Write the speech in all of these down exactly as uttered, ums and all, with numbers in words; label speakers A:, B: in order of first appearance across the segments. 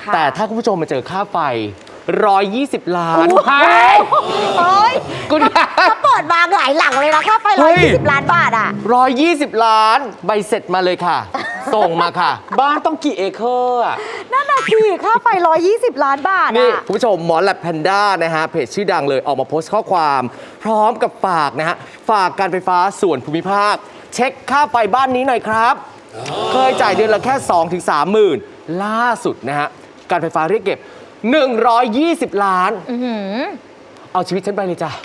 A: แต่ถ้าคุณผู้ชมมาเจอค่าไฟหนึ่งร้อยยี่สิบล้าน
B: เฮ้ย
A: คุณคะ
B: ถ้าเปิดมาหลายหลังเลยนะค่าไฟหนึ่งร้อยยี่สิบล้านบาทอ่ะ
A: หนึ่งร้อยยี่สิบล้านใบเสร็จมาเลยค่ะ ส่งมาค่ะ
C: บ้านต้องกี่เอเคอร์อ่ะ
B: นั่นน่ะสิค่าไฟหนึ่งร้อยยี่สิบล้านบาท
A: นี่
B: อ่ะ
A: คุณผู้ชมหมอแลบแพนด้านะฮะเพจชื่อดังเลยออกมาโพสต์ข้อความ พร้อมกับฝากนะฮะฝากการไฟฟ้าส่วนภูมิภาค เช็คค่าไฟบ้านนี้หน่อยครับ เคยจ่ายเดือนละแค่ สองถึงสามหมื่นล่าสุดนะฮะการไฟฟ้าเรียกเก็บหนึ่งร้อยยี่สิบล้านเอาชีวิตฉันไปเลยจ้ะ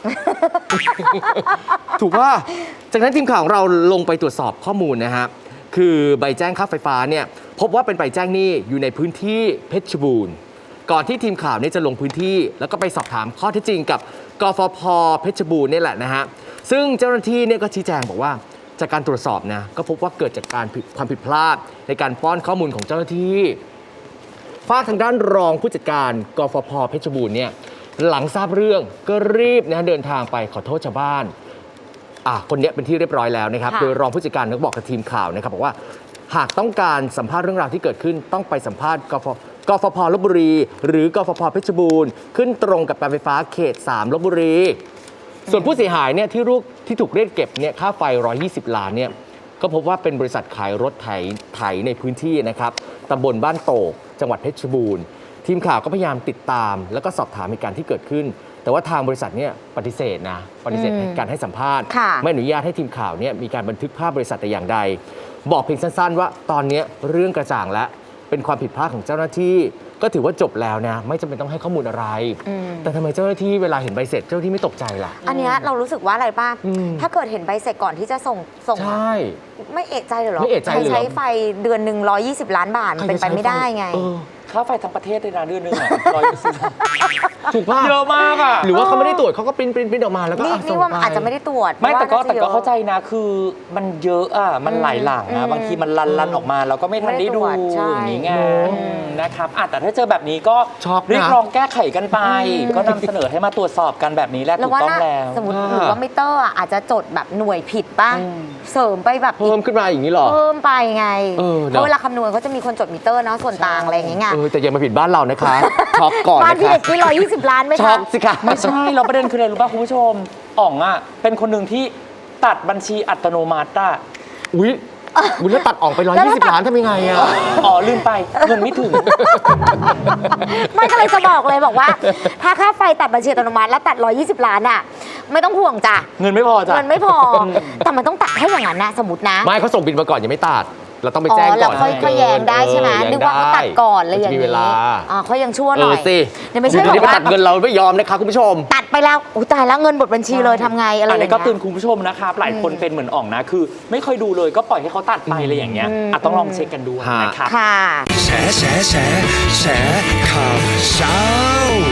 A: ถูกว่าจากนั้นทีมข่าวของเราลงไปตรวจสอบข้อมูลนะฮะคือใบแจ้งค่าไฟฟ้าเนี่ยพบว่าเป็นใบแจ้งหนี้อยู่ในพื้นที่เพชรบูรณ์ก่อนที่ทีมข่าวเนี่ยจะลงพื้นที่แล้วก็ไปสอบถามข้อเท็จจริงกับกฟผ.เพชรบูรณ์นี่แหละนะฮะซึ่งเจ้าหน้าที่เนี่ยก็ชี้แจงบอกว่าจากการตรวจสอบนะก็พบว่าเกิดจากการผิดความผิดพลาดในการป้อนข้อมูลของเจ้าหน้าที่ฝากทางด้านรองผู้จัดการกฟผ.เพชรบูรณ์เนี่ยหลังทราบเรื่องก็รีบนะเดินทางไปขอโทษชาวบ้านอ่ะคนนี้เป็นที่เรียบร้อยแล้วนะครับโดยรองผู้จัดการก็บอกกับทีมข่าวนะครับบอกว่าหากต้องการสัมภาษณ์เรื่องราวที่เกิดขึ้นต้องไปสัมภาษณ์กฟกฟผ.ลพบุรีหรือกฟผ.เพชรบูรณ์ขึ้นตรงกับการไฟฟ้าเขตสามลพบุรีส่วนผู้เสียหายเนี่ยที่รูกที่ถูกเรียกเก็บเนี่ยค่าไฟหนึ่งร้อยยี่สิบล้านเนี่ยก็พบว่าเป็นบริษัทขายรถไถไถในพื้นที่นะครับตำบลบ้านโตกจังหวัดเพชรบูรณ์ทีมข่าวก็พยายามติดตามแล้วก็สอบถามเหตุการณ์ที่เกิดขึ้นแต่ว่าทางบริษัทเนี่ยปฏิเสธนะปฏิเสธการให้สัมภาษณ์ไม่อนุญาตให้ทีมข่าวเนี่ยมีการบันทึกภาพบริษัทแต่อย่างใดบอกเพียงสั้นๆว่าตอนนี้เรื่องกระจ่างแล้วเป็นความผิดพลาดของเจ้าหน้าที่ก็ถือว่าจบแล้วนะไม่จำเป็นต้องให้ข้อมูลอะไรแต่ทำไมเจ้าหน้าที่เวลาเห็นใบเสร็จเจ้าหน้าที่ไม่ตกใจล่ะ
B: อันนี้เรารู้สึกว่าอะไรป่ะถ้าเกิดเห็นใบเสร็จก่อนที่จะส่งส่ง
A: ใช่
B: ไม่เอะใจเลยหรอ
A: ไม่เอะใจเลย
B: ใช้ไฟเดือนหนึ่งร้อยยี่สิบล้านบาทเป็นไปไม่ได้ไง
C: ค่าไฟทั้งประเทศเลยนะเดือนนึงอ่ะร้อยยี่สิบ
A: ถูกป่ะ
C: เยอะมากอ่ะ
A: หรือว่าเขาไม่ได้ตรวจเขาก็ปริ้นปริ้นปริ้นออกมาแล้วก็
B: นี่นี่ว่าอาจจะไม่ได้ตรวจ
C: ไม่แต่ก็แต่ก็เข้าใจนะคือมันเยอะอ่ะมันหลายหลังนะบางทีมันลันลันออกมาเราก็ไม่ทันได้ดูอย่างนี้ไงนะครับแต่ถ้าเจอแบบนี้ก็เรียกร้องแก้ไขกันไปก็นำเสนอให้มาตรวจสอบกันแบบนี้แล้วถูกต้องแล้ว
B: สมมติหรือว่ามิเตอร์อาจจะจดแบบหน่วยผิดป่ะเสริมไปแบบ
A: เพิ่มขึ้นมาอย่างนี้หรอ
B: เพิ่มไปไงเพราะเวลาคำนวณเขาจะมีคนจดมิเตอร์เนาะส่วนต่างอะไรอย่างเงี้ย
A: แต่ยังมาผิดบ้านเรานะคะช็อกก่อน
B: บ้านพี่เด็กที่ร้อยยี่สิบล้านไหมคะ
A: ช็อกสิคะ
C: ไม่ใช่เราประเด็นคืออะไรรู้ป่ะคุณผู้ชมอ๋องอ่ะเป็นคนหนึ่งที่ตัดบัญชีอัตโนมัติอ่ะ
A: อุ้ยอุ้ยแล้วตัดออกไปร้อยยี่สิบล้านทำยังไงอ่ะ
C: อ๋อลืมไปเงินไม่ถึง
B: ไม่ก็เลยจะบอกเลยบอกว่าถ้าค่าไฟตัดบัญชีอัตโนมัติแล้วตัดร้อยยี่สิบล้านอ่ะไม่ต้องห่วงจ้ะ
C: เงินไม่พอจ้ะ
B: เงินไม่พอแต่มันต้องตัดให้อย่างนั้นนะสมมตินะ
A: ไม่เขาส่งบินมาก่อนยังไม่ตัดเราต้องไปแจ้งก่อน
B: แล้วค่อยแย้งได้ใช่ไหมนึกว่าเขาตัดก่อนเลยอย่างนี้อ๋อเขายังชั่วหน่อย
A: สิ
B: เดี๋ยวไม่ใช่
A: บอกว่าตัดเงินเราไม่ยอมนะคะคุณผู้ชม
B: ตัดไปแล้วอุ้ยตายแล้วเงินหมดบัญชีเลยทำไงอะไรอย่างเงี้ย
C: อันนี้ก็เตือนคุณผู้ชมนะครับหลายคนเป็นเหมือนอ่องนะคือไม่เคยดูเลยก็ปล่อยให้เขาตัดไปอะไรอย่างเงี้ยต้องลองเช็คกันดูนะครับ
B: ค่ะ
D: แฉแฉแฉแฉข่าวเช้า